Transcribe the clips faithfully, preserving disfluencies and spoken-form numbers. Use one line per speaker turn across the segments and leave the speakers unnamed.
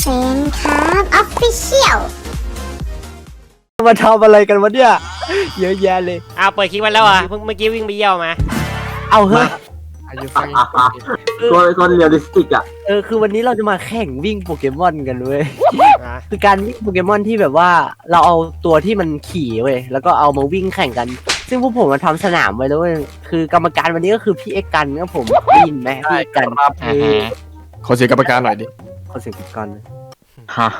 ฟนครับออฟฟิเชียล
มาทำอะไรกันวะเนี่ยเยอะแยะเลย
เอาเปิดคลิปมาแล้วอ่ะเพิ่งเมื่อกี้วิ่งไปเยี่ยวมา
เอาเฮ้ย
อายุฟังตัวตัวเรียลลิสติกอ่ะ
เออคือวันนี้เราจะมาแข่งวิ่งโปเกมอนกันเว้ยคือการวิ่งโปเกมอนที่แบบว่าเราเอาตัวที่มันขี่เว้ยแล้วก็เอามาวิ่งแข่งกันซึ่งพวกผมมาทำสนามไว้แล้วเว้ยคือกรรมการวันนี้ก็คือพี่เอกกันครับผมได้ยินไหมพี่เอกกัน
ขอเสียงกรรมการหน่อยดิ
ขอเสียงพี่กัน
ฮะ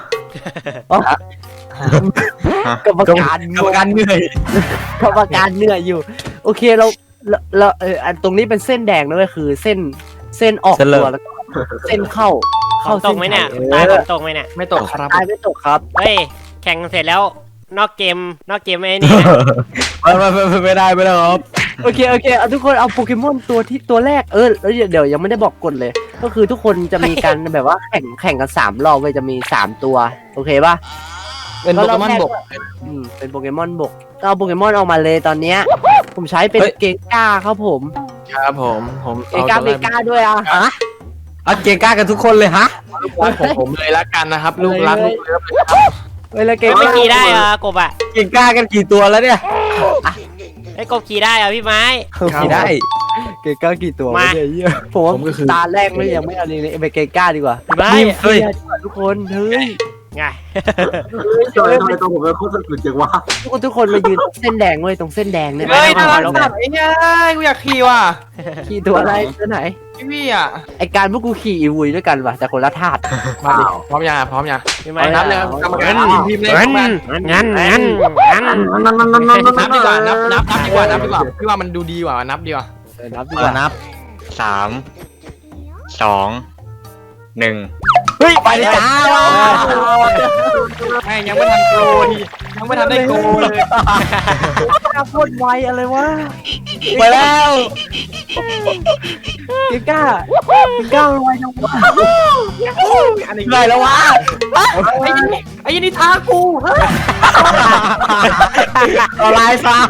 กรรมการ
กรรมการเหนื่อย
กรรมการเหนื่อยอยู่โอเคเราเราเอออันตรงนี้เป็นเส้นแดงนะเว้ยคือเส้นเส้นออกตัวแล้วก็เส้นเข้า
เข้าตกไหมเนี่ยตายผมตกไหมเนี่ย
ไม่ตกครับตายไม่ตกครับ
เฮ้ยแข่งเสร็จแล้วนอกเกมนอกเกมไอ้นี่
ไม่ไม่ไม่ไม่ได้ไม่ได้ครับ
โอเคโอเคเอาทุกคนเอาโปเกมอนตัวที่ตัวแรกเออแล้วเดี๋ยวยังไม่ได้บอกกฎเลยก็คือทุกคนจะมีการแบบว่าแข่งแข่งกันสามรอบเว้ยจะมีสามตัวโอเคป่ะ
เป็นโปเกมอนบก
อืมเป็นโปเกมอนบกก็เอาโปเกมอนออกมาเลยตอนเนี้ยผมใช้เป็นเกก้าครับผม
ครับผมผม
เกก้าเมก้าด้วยอ่ะฮะ
เอาเกก้ากันทุกคนเลยฮะผมผมเลยละกันนะครับลูกรักลูกเลิฟเลยครับ
เวลาเก
ก้าขี่ได้เหรอกบอ่ะ
เกก้ากันกี่ตัวแล้วเนี่ย
ไอ้กบขี่ได้เหรอพี่ไม้
ขี่ได้
เกก้ากี่ตัวมาผมว่าตาแรกเลยยังไม่เอาเลยไปเกก้าดีกว่า
พี่ไม้
เฮ้ยทุกคนเฮ้ย
ไง
ทำไมทำไมตัวผมเป็นโคตรสุดจังวะ
ทุกคนทุกคนมายืนเส้นแดงเว้ยตรงเส้นแดงเนี่ย
เฮ้ยน่ารักสัตว์ไอ้เนี่ยกูอยากขี่ว่ะ
ขี่ตัวอะไรตัวไหน
พี่พี่อ่ะ
ไอการพวกกูขี่อีวุยด้วยกันว่ะแต่คนละธาตุ
มาดิพร้อมยังพร้อมยัง
ไม่
นับเลยกรรมการทีมเลย
งั้นงั้นงั้นงั้น
นับดีกว่านับนับนับดีกว่านับดีกว่าพี่ว่ามันดูดีกว่านับดีกว่า
นับดีกว่า
นับสามสองหนึ่ง
เฮ้ยไปเลยจ้า
แม่ยังไม่ทันโกนี่ยังไม่ทันได้โกเลย
โคตรไวอะไรวะ
ไปแล้ว
เกก้าเกก้าไวจังวะ
อะไรแล้ววะไอ้ยันนี่ท้ากู
อะไรซะ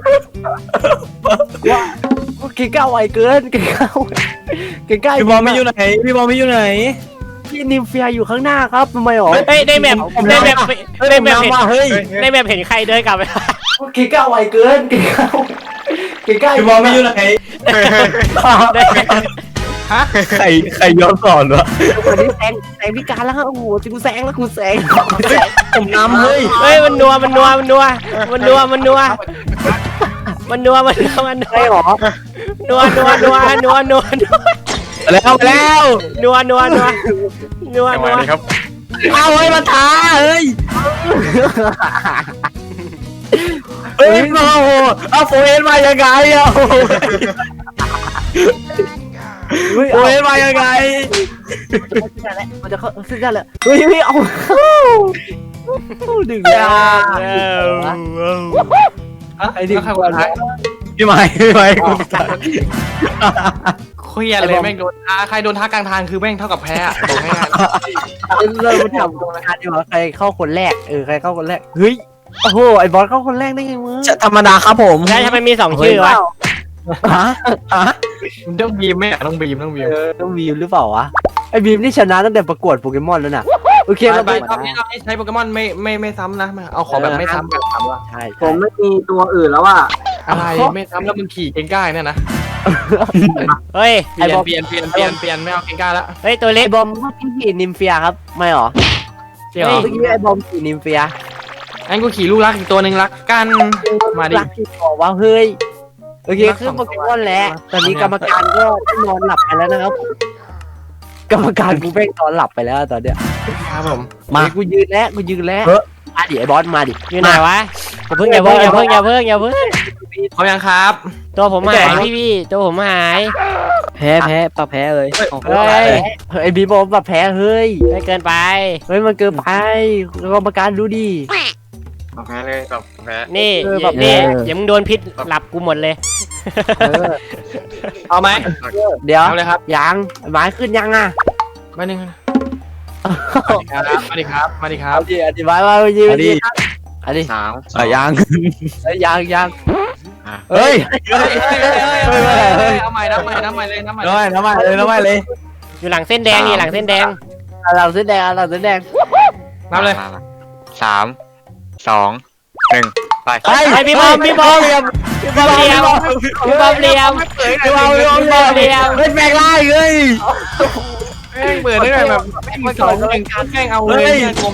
เกก้าไวเกินเกก้าเกก้า
พี่บอลไม่อยู่ไหนพี่บอลไม่อยู่ไหน
พี่นิมเฟียอยู่ข้างหน้าครับทำไมหรอ
เฮ้ยได้แบบได้แบบได้แบบเห็นเฮ้ยได้แบบเห็นใครเดินกลับไป
เกก้าไวเกินเกก้าเกก้า
พี่บอลไม่อยู่ไหนฮะใครใครย้อนสอนวะ
วันนี้แซงแซงพิการแล้วครับโอ้โหจิกูแซงแล้วกูแซง
ผมน้ำเฮ้ย
เฮ้ยมันนัวมันนัวมันนัวมันนัวมันนัวมันนัวมันนัวมันนัว
หรอ
นัวนัวนัวนัวนัวนัว
แล้วแล้ว
นัวนัวนัวนัวนัว
ครับเอาไว้มาท้าเฮ้ยเฮ้ยโอ้โหเอาโฟเอ็นมายังไงอ่ะโฟเอ็นมายังไง
มันจะเข้าเส้นได้แล้วเฮ้ยพี่เอาดึงยาไอ้ที่ใครคนท้าย
พี่ไม้พี่ไม้เครียดเลยแม่งโดนท้าใครโดนท้ากลางทางคือแม่งเท่ากับแพ้บอกให้
เริ่มทำตรงนั้นดีกว่าใครเข้าคนแรกเออใครเข้าคนแรกเฮ้ยโอ้โหไอ้บอสเข้าคนแรกได้ไงมึง
ธรรมดาครับผม
ใช่ทำไมมีสองชื่อวะ
ฮะฮะต้องบีมไหมต้องบีมต้องบีม
ต้องบีมหรือเปล่าวะไอ้บีมนี่ชนะตั้งแต่ประกวดโปเกมอนแล้วน่ะโอเค
เราไปรอบนี้รอบนี้ใช้โปเกมอนไม่ไม่ไม่ซ้ำนะมาเอาของแบบไม่ซ้ำแบบซ้ำว่ะ
ใช่
ผมไม่มีตัวอื่นแล้วว่ะ
อะไรไม่ซ้ำแล้วมึงขี่เก่งก้าเนี่ยนะ
เฮ้ย
เปลี่ยนเปลี่ยนเปลี่ยนเปลี่ยนเปลี่ยนไม่เอาเก่งก้าแล้ว
เฮ้ยตัวเล็ก
บอมพี่ขี่นิมเฟียครับไม่หรอ
เจ๋อเมื่
อกี้ไอ้บอมขี่นิมเฟีย
อันกูขี่ลูกรักอีกตัวหนึ่งรักกันมาดิ
รักที่บอกว่าเฮ้ยโอเคขึ้นโปเกมอนแล้วตอนนี้กรรมการก็นอนหลับไปแล้วนะครับกรรมการกูเพ่งนอนหลับไปแล้วตอนเนี้ย
ครับผม
มากูยืนแล้วกูยืนแล้วมาดิไอ้บอสมาดิ
อยู่ไหนวะอย่าเพิ่งอย่าเพิ่งอย่าเพิ่งอย่าเพิ่งอย่าเพิ่ง
เขายังครับ
ตัวผมหายพี่พี่ตัวผมหาย
แพ้แพ้ปะแพ้เลยเฮ้ยไอ้บีบอมปะแพ้เฮ้ย
ไม่เกินไป
เฮ้ยมันเกินไปกรรมการดูดิ
แพ้เลยแบบแพ้
นี่นี่อย่ามึงโดนพิษหลับกูหมดเลย
เอาไหม
เดี๋ยวเลยครับยังหมายขึ้นยังอ่ะ
มาหนึ่งมาดิครับมาดิครับ
มาดิอธิบายว่ายืนดิอันนี้
สาม
ยัง
ยังยัง
เฮ้ยเอาใหม่น้ำใหม่น้ำใหม่เลยน้ำใหม่เลยน้ำใหม่เลยน้ำใหม่เลย
อยู่หลังเส้นแดงนี่หลังเส้นแดง
หลังเสื้อแดงหลังเสื้อแดง
นับเลย
มามาสามสองหนึ่งไป
ไปพี่บอมพี่บอมพี่บอมเลียมพี่บอมเลียมพี่บอมพี่บอมเลียม
เฮ้ยแปลงร่างเฮ้ย
แม่งเปิดได้ไงแบบแม่งสองหนึ่งแม่งเอาเลยเนี่ยกลม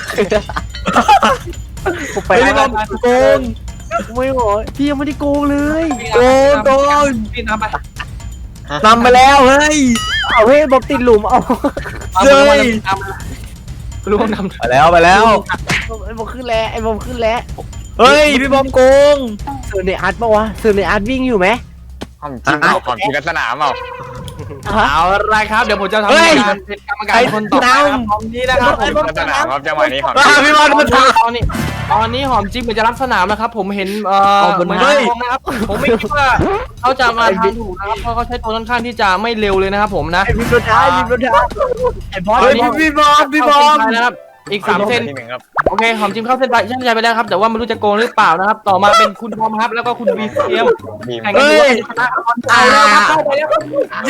กูไปไม่ต้องโกงไม่หรอพี่ยังไม่ได้โกงเลยโกงโกง
พี่นับไป
นำไปแล้วเฮ้ยเอาเฮ้ยบอมติดหลุมเอา
เฮ้ยรู้ว่านำ
ไปแล้วไปแล้ว
ไอ้บอมขึ้นแล้วไอ้บอมขึ้นแล้ว
เฮ้ยพี่บอมโกง
เสือในอาร์ตปะวะเสือในอาร์ตวิ่งอยู่ไหม
ความจริงเอาความจริงลักษณะเปล่า
เอาละครับเดี๋ยวผมจะทำการเป็นกรรมการคนต่อไปนะครับตอนนี้นะครับผม
ลักษณะครับจังหวะนี้หอม
พี่บอลมัน
ตอนนี้ตอนนี้หอมจิ๊บเหมือนจะรับสนามนะครับผมเห็นเอ่อเหมือนทองนะครับผมไม่คิดว่าเขาจะมาทางถูกนะครับเพราะเขาใช้ตัวค่อนข้างที่จะไม่เร็วเลยนะครับผมนะ
ไอ้พี่โดนท้าไอ้พี่โดนท้าไอ้บอส
เฮ้ยพี่บอมพี่บอม
นะครับอีกสามเส้น
ที่หนึ่งครับ
โอเคหอมจิ้มเข้าเส้นไปเส้นใจไปแล้วครับแต่ว่าไม่รู้จะโกงหรือเปล่านะครับต่อมาเป็นคุณบอมครับแล้วก็คุณวีเซียม
บีม
แข่งกันดูว่าชนะเอาแล้วครับเข้าไปแล้ว
เย้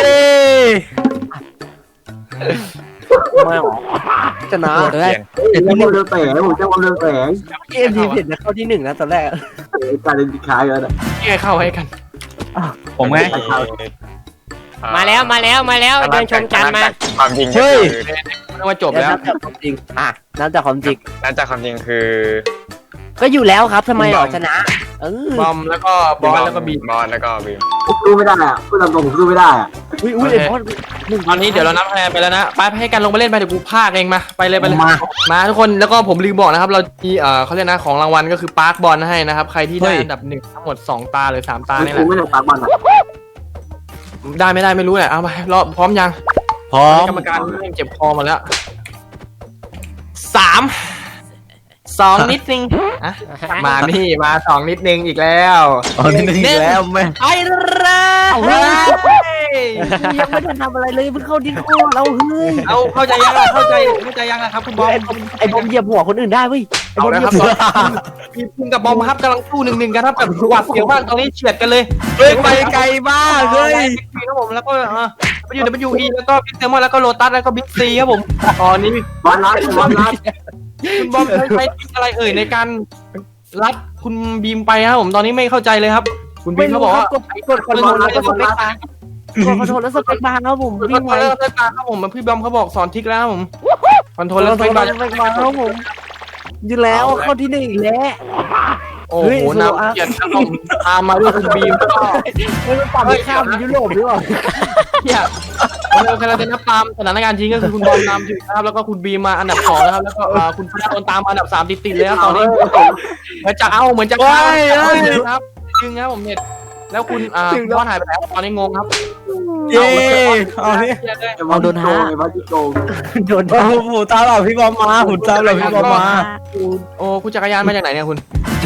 ไม่หรอชนะ
โหดเลย
เห็นที่เรือแฝงผมจะว่าเรือแฝง
เกมทีมเห็นจะเข้าที่หนึ่งนะตอนแรก
การเล่นคล้ายกันนะ
นี่ไงเข้าให้กัน
ผมไง
มาแล้วมาแล้วมาแล้วเดินชมกันมา
ความจริง
เฮ้ย
เรียกว่าจบแล้ว
นับจากความจริงอ่ะนับจากความจริง
นั่นจากความจริงคือ
ก็อยู่แล้วครับทำไมหรอชนะเออบ
อมแล้วก็บอลแล้วก็บีม
บอลแล้วก็บีม
ผมสู้ไม่ได้อ่ะพูดตามตรงผมสู้ไม่ได้อ่ะ
อุ้ยอุ้ยไอ้บอส
ตอนนี้เดี๋ยวเรานับคะแนนไปแล้วนะไปให้กันลงไปเล่นไปเดี๋ยวกูพากเองมาไปเลยไปเลยมาทุกคนแล้วก็ผมลืมบอกนะครับเรามีเอ่อเขาเรียกนะของรางวัลก็คือปาร์คบอลให้นะครับใครที่ได้อันดับหนึ่งทั้งหมดสองตาหรือสามตา
ไม่
นี่แห
สู้
ละ
ไม่ได้ปากบอลอ่ะ
ได้ไม่ได้ไม่รู้แหละเอาไปรอบพร้อมยัง
พร้อม
กรรมการเริ่มเจ็บคอมาแล้วสามสองนิดนึงอ่ะมานี่มาสองนิดนึงอีกแล้ว
อ๋อนี่นึงอีกแล้วแม่
ไปเลย
เฮ้ยยังไม่ทันทำอะไรเลยเพิ่งเข้าดิสโก้เราเฮ้ย
เอาเข้าใจยังอ่ะเข้าใจเข้าใจยังอ่ะครับคุณบอม
ไอ้บอมเหยียบหัวคนอื่นได้เว้ยไอ้
เอา
บอม
แล้ว
เห
ค
ยี
รั
ย
บบ มีคุณกับบอมครับกำลังสู้หนึ่งหนึ่งกันครับแบบหวาดเสียวมากตอนนี้เฉียดกันเลย
เฮ้ยไปไกลมากเฮ้ย
ครับผมแล้วก็เออไปอยู่ ดับเบิลยู อี แล้วก็บิ๊กเซมอนแล้วก็โลตัสแล้วก็บิ๊กซีครับผมตอนนี้
บอลรัดบอลรัด
คุณบอมใช้ใช้อะไรเอ่ยในการรับคุณบีมไปครับผมตอนนี้ไม่เข้าใจเลยครับ คุณบีมเขาบอกว่าก
ดกดคอนโทรลแล้วก็สเปคบาร์กดคอนโทรลแล้วสเปคบาร์ครับผม
คอน
วิ่ง
โท
ไว
รลเลอร์การครับผมพี่บอมเขาบอกสอนทริกแล้วครับผมคอนโทรลเลอร์
ส
ส
เป
เป
ค
ค
บา
บา
ร์
ร์
สเปคบาร์ครับผมอยู่แล้วเข้าที่หนึ่งอีกแล้ว
โอ้โหนำเกียรติครับผมตามมาด้วยคุณบีมก็
ไม่ต้องปั่นข้ามยุโรปหรือเปล่า
เนี่ยเรากำลังจะนับตามสถานการณ์จริงก็คือคุณบอลนำอยู่นะครับแล้วก็คุณบีมมาอันดับสองนะครับแล้วก็คุณพนักโดนตามมาอันดับสามติดๆเลยครับตอนนี้เหมือนจะเอาเหมือนจะเข้าครับจริงครับผมเนี่ยแล้วคุณอ่าบอลหายไปแล้วตอนนี้งงครับ
เย้เอาเนี่ย
เอาโดนท้า
ไอ้บอลที่โกง
โดน
โอ้โหตามเราพี่บอมมาหุ่นตามเราพี่บอมมา
โอ้คุณจักรยานมาจากไหนเนี่ยคุณ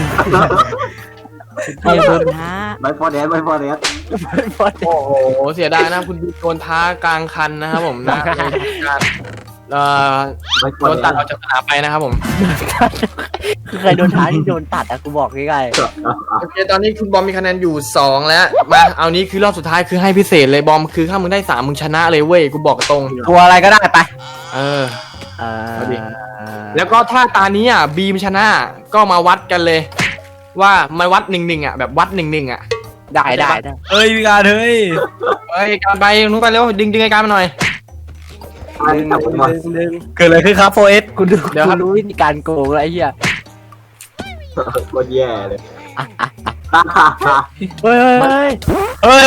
โดนท้า
ใบฟอร์แดนใบฟอร์แดน
โอ้โหเสียดายนะคุณโดนท้ากลางคันนะครับผมนะการเอ่อ
ใบฟอ
โด
ร์
น
แด
ตัด
น
ออกจากสนามไปนะครับผม
คือใครโดนท้าที่โดนตัดอะกูบอกง่าย
โอเคตอนนี้คุณบอมมีคะแนนอยู่สองแล้วมาเอานี้คือรอบสุดท้ายคือให้พิเศษเลยบอมคือถ้ามึงได้สามมึงชนะเลยเว้ยกูบอกตรง
ตัวอะไรก็ได้ไป
เออ
ๆอ่า
แล้วก็ถ้าตานี้อ่ะบีมชนะก็มาวัดกันเลย ว่ามาวัดหนึ่งหนึ่งอ่ะแบบวัดหนึ่งหนึ่งอ่ะ
ได้ได้ได้
เฮ้ยพี่การเฮ้ย
เฮ้ยการไปนู้นไปเร็วดึงดึงไอ้การมาหน่อย
อันนี้จับผมมา
หนึ่ง
เกิดอะไรขึ้นครับโฟเอส
กูดูกูรู้วิธีการโกงแล้วไอ้เหี้ย
โคตรแย่เลย
เฮ้ยเฮ้ย
เฮ้ยเฮ้ย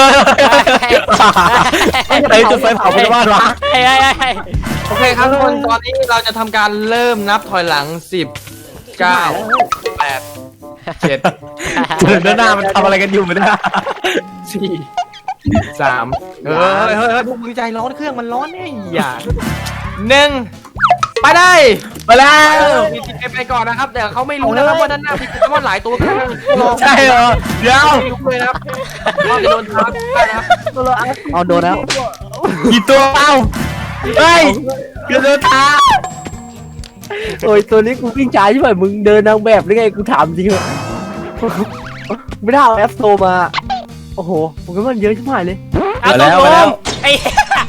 ไอ้จุดไฟเผาเป็นบ้านวะ
เฮ้ยเฮ้ยโอเคครับทุกคนตอนนี้เราจะทำการเริ่มนับถอยหลังสิบเก้าแปดเจ็ด
เดินหน้ามันทำอะไรกันอยู่ไม่ได้
สี่สามเฮ้ยเฮ้ยเฮ้ยพวกมึงใจร้อนเครื่องมันร้อนเนี่ยอย่าหนึ่งไปได้
ไปแล้ว
มีทีไปก่อนนะครับแต่เขาไม่รู้นะครับว่าด้านหน้ามีโปเกมอนหลายตัวกัน
ใช่เหรอเดี๋ยว
ไม่รู้เลยนะครับว่าจะโดนทับได้นะครับ
เอาโดนแล้ว
กี่ตัวเอ้าเฮ้ยเกิดเดินตา
โอ้ยตัวนี้กูวิ่งช้าใช่ไหมมึงเดินนางแบบหรือไงกูถามจริงเหรอไม่ได้เอาแอปโซมาโอ้โหโปเกมอนเยอะชิบหายเลย
เอาตัวผมไอ้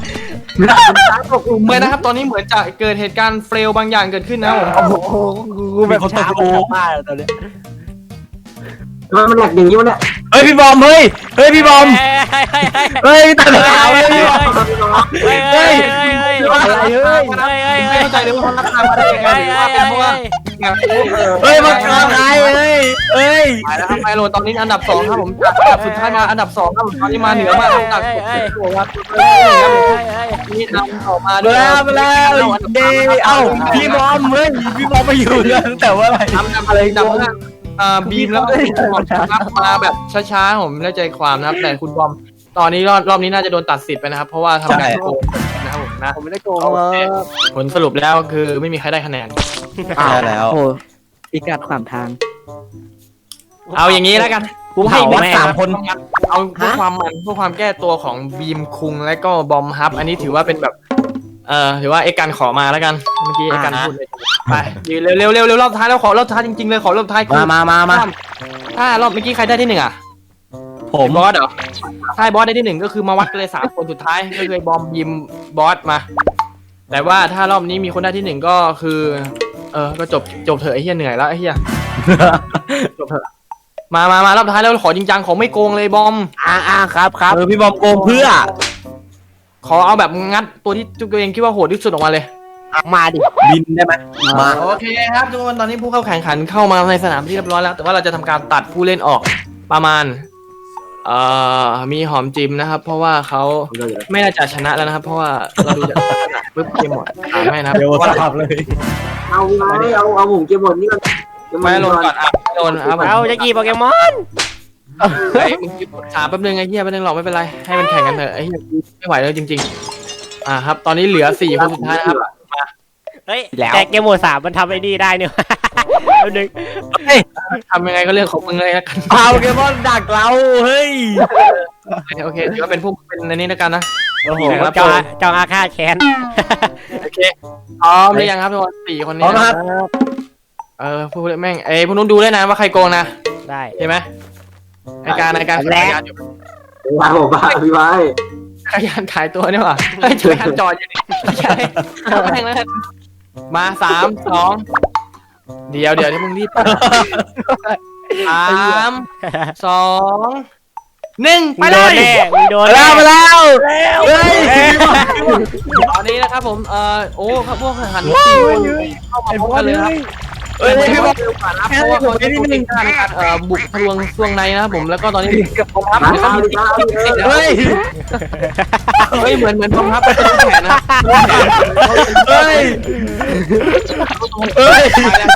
ตกหลุมเลยนะครับตอนนี้เหมือนจะเกิดเหตุการณ์เฟลบางอย่างเกิดขึ้นนะผม
โอ้โหกูแบบช้าคนกลับบ้านแล้วตอนเนี้ย
ทำไมมันแหลกอย่างนี้วะเนี่ย
เฮ้ยพี่บอมเฮ้ยเฮ้ยพี่บอม
เฮ้ยเฮ้ยเฮ้ย
เฮ้ยตัดขาเลยพี่บอม
เฮ้ยเฮ้ยเฮ้ยเฮ้ย
อะไรเฮ้ย
เฮ้ยเฮ้ย
ไม่เข้าใจเลยว่าเขารับทางมาได้ยังไงหรือว่าเป็นเพราะว่า
เฮ้ยมันขาใครเฮ้ยเฮ้ย
ไปแล้วครับไมโลตอนนี้อันดับสองครับผมจากอันดับสุดท้ายมาอันดับสองครับผมตอนนี้มาเหนือมาอันดับตัวครับนี่นำต่อมาด้
มา
วย
แล้วมาแล้วเย้เอ้าพี่บอมเฮ้ยพี่บอมมาอยู่กันตั้งแต่ว่าอะไร
นำนำอะไรนำนะอ่าบีมแล้วก็คุณบอมครับมาแบบช้าๆผมไม่ได้ใจความนะครับแต่คุณบอมตอนนี้รอบรอบนี้น่าจะโดนตัดสิทธิ์ไปนะครับเพราะว่าทำการโกงนะครับผมนะ
ผมไม่ได้โกงเลย
ผลสรุปแล้วคือไม่มีใครได้คะแนน
ใช่แล้ว
โอ้พิกัดขวางทาง
เอาอย่างนี้แล้วกัน
กูเผาวัดสามคน
เอาเพื่อความมันเพื่อความแก้ตัวของบีมคุงและก็บอมฮับ อันนี้ถือว่าเป็นแบบเอ่อถือว่าเอกกันขอมาแล้วกันเมื่อกี้เอกกันพูดเลยไปยืนเร็วเร็วเร็วเร็วรอบท้ายแล้วขอรอบท้ายจริงๆเลยขอรอบท้ายคื
มามามามา
ถ้ารอบเมื่อกี้ใครได้ที่หนึ่งอ่ะ
ผม
บอสเหรอใช่บอสได้ที่หนึ่งก็คือมาวัดกันเลยสามคนสุดท้ายก็คือบอมยิมบอสมา แต่ว่าถ้ารอบนี้มีคนได้ที่หนึ่งก็คือ เออก็จบจบเถอะไอ้เหี้ยเหนื่อยแล้วไอ้เหี้ยจบเถอะมามามารอบท้ายแล้วขอจริงจังขอไม่โกงเลยบอม
อ่าอ่าครับครับ
เออพี่บอมโกงเพื่อ
ขอเอาแบบงัดตัวที่ตัวเองคิดว่าโหดที่สุดออกมาเลย
มาดิ
บินได้ไหมมา
โอเคครับทุกคนตอนนี้ผู้เข้าแข่งขันเข้ามาในสนามที่เรียบร้อยแล้วแต่ว่าเราจะทำการตัดผู้เล่นออกประมาณเอ่อมีหอมจิมนะครับ เพราะว่าเขาไม่น่าจะชนะแล้วนะครับ เพราะว่าเราดูจากลักษณะปุ๊บเกมหมดอ่าไม่นะครับ
เดี๋ยว
เพราะว่า
สับเลย
เอาไว้เอาเอาผมเก็บบทนี่ก่อน
ไม่ลงก่อนอ่ะไม่ลงครับผม
เอาจะกี่โปเกมอน
เฮ้ยมึงหยุดถามแป๊บนึงไอ้เหี้ยแป๊บนึงหรอกไม่เป็นไรให้มันแข่งกันเถอะไอ้เหี้ยไม่ไหวแล้วจริงๆอ่าครับ ตอนนี้เหลือสี่คนสุดท้ายนะครับ
เฮ้ยแต่เกมโหมดสามมันทำไอ้นี่ได้เนี่ยแป๊บนึง
ทำยังไงก็เรื่องของมึงเลยละกัน
เอาโปเกมอนดักเราเฮ้ย
โอเคถือว่าเป็นพวกเป็นในนี้แล้วกันนะ
โอ้โห
ครับ
เจ้าอาเจ้าอาฆาตแค้น
โอเคพร้อมหรือยังครับทุกคนสี่คนนี้
พร้อมครับ
เออพูดแม่งเอ้ยพวกนู้นดูด้วยนะว่าใครโกงนะ
ได้
ใช่ไหมในการในการขายยานอยู่
บ้าผมบ้าพี่ไว้
ขายยานขายตัวเนี่ยว่ะเฮ้ยจักรยานจอดอยู่นี่ไม่ใช่เอาแม่งแล้วกันมาสามสองเดี๋ยวเดี๋ยวที่มึงรีบสามสองหนึ่งไป
มึง
เล
โดน
ย
แน่มึงโดน
มา
แน่
แล้วมาแล้วเฮ้ย
ตอนนี้นะครับผมเอ่อโอ้ครับพวกหันสี่คนเข้ามาพบกันเลยครับ
เฮ้ยพี่บอม
เพราะว่าเขาจะพูดในการเอ่อบุกทะลวงช่วงในนะครับผมแล้วก็ตอนนี้กับผมครับ
มา
แล้วก็
เอา
มี
ดิมาเอาดิ
เฮ้ย
เฮ้ยเหมือนเหมือนผมครับเป็นแผนนะ
เฮ้ยเฮ้ย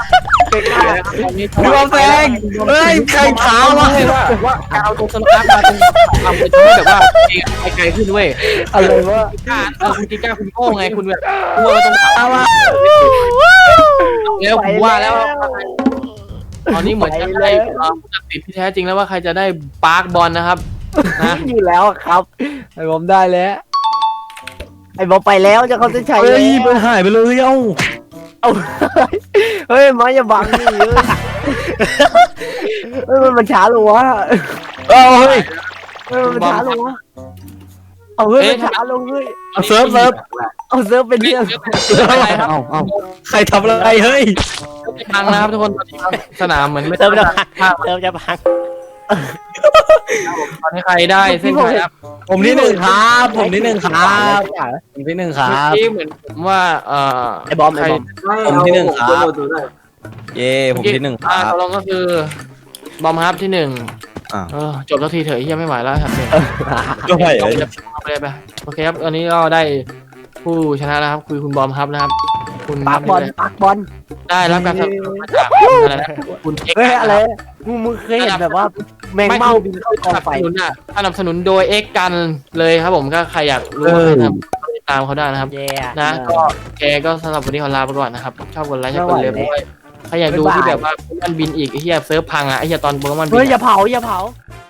พี่บอมแซงเฮ้ยใครขาววะ
ว่าว่าการเอาตัวสลับมาเป็นทำไปทำให้แบบว่าไปไกลขึ้นเว้ย
อะไรวะ
กล้าเออคุณกิก้าคุณโง่ไงคุณแบบกลัวตรงขาว่าแล้วผมว่าแล้วตอนนี้เหมือนจะได้ผู้ตัดสินที่แท้จริงแล้วว่าใครจะได้ปาร์คบอลนะครับนะ
อยู่แล้วครับไอ้บอมได้แล้วไอ้บอมไปแล้วจะเขาจะใช้
เฮ้
แล้
ยว มันหายไปเลยเอ้า
เอาเฮ้ยมาอย่าบังนี่เฮ้ยมันมันช้าลงวะ
เอ้าเฮ้ย
เฮ้ยมันช้าลงวะเอาเฮ้ยมันช้าลงเฮ้ย
เอาเซิร์ฟเซิร์ฟ
เอาเซิร์ฟเป็นเรื่อง
อะไรครับ
เอ้าเอ้าใครทำอะไรเฮ้ย
พังนะครับทุกคนตอนนี้สนามเหมือนไม่
เติมจะ
ภาพ
เติมจะพัง
ตอนนี้ใครได้เส้นชัยครับ
ผมที่หนึ่งครับ ผมที่หนึ่งครับผมที่หนึ่งครับ
เมื่อกี้เหมือนผมว่าเอ่อ
ไอ้บอมไอ้บอม
ผมที่หนึ่งครับ
เก็บบทดูได้
เย้ผมที่หนึ่งค
อ่า
รับ
ตกลงก็คือบอมฮับที่หนึ่ง
อ่า
เออจบสักทีเถอะเฮียไม่ไหวแล้วครับเนี่ย
ก็ไม่
จบเลยไปเลยไปโอเคครับตอนนี้ก็ได้ผู้ชนะแล้วครับคือคุณบอมฮับนะครับ คุณ
ปักบอลปักบอล
ได้รับการสนับสนุนมาจากอะไรนะคุณเอ็กซ์
เฮ้ยอะไรมึงมึงเคยเห็นแบบว่าแมงเม่าบินเข้ากอง
สนับ
ไฟ
สนุนอ่ะสนับสนุนโดยเอ็กซ์กันเลยครับผมก็ใครอยากรู้ว่าใครทำติดตามเขาได้นะครับ
เย่
นะก็แกก็สำหรับวันนี้ขอลาไปก่อนนะครับชอบกดไลค์ชอบกดเลิฟด้วยใครอยากดูที่แบบว่าโปเกมอนบินอีกไอ้เหี้ยเซิร์ฟพังอ่ะไอ้เหี้ยตอนโปเกมอนบิ
เฮ้ย
น
อย่าเผาอย่าเผา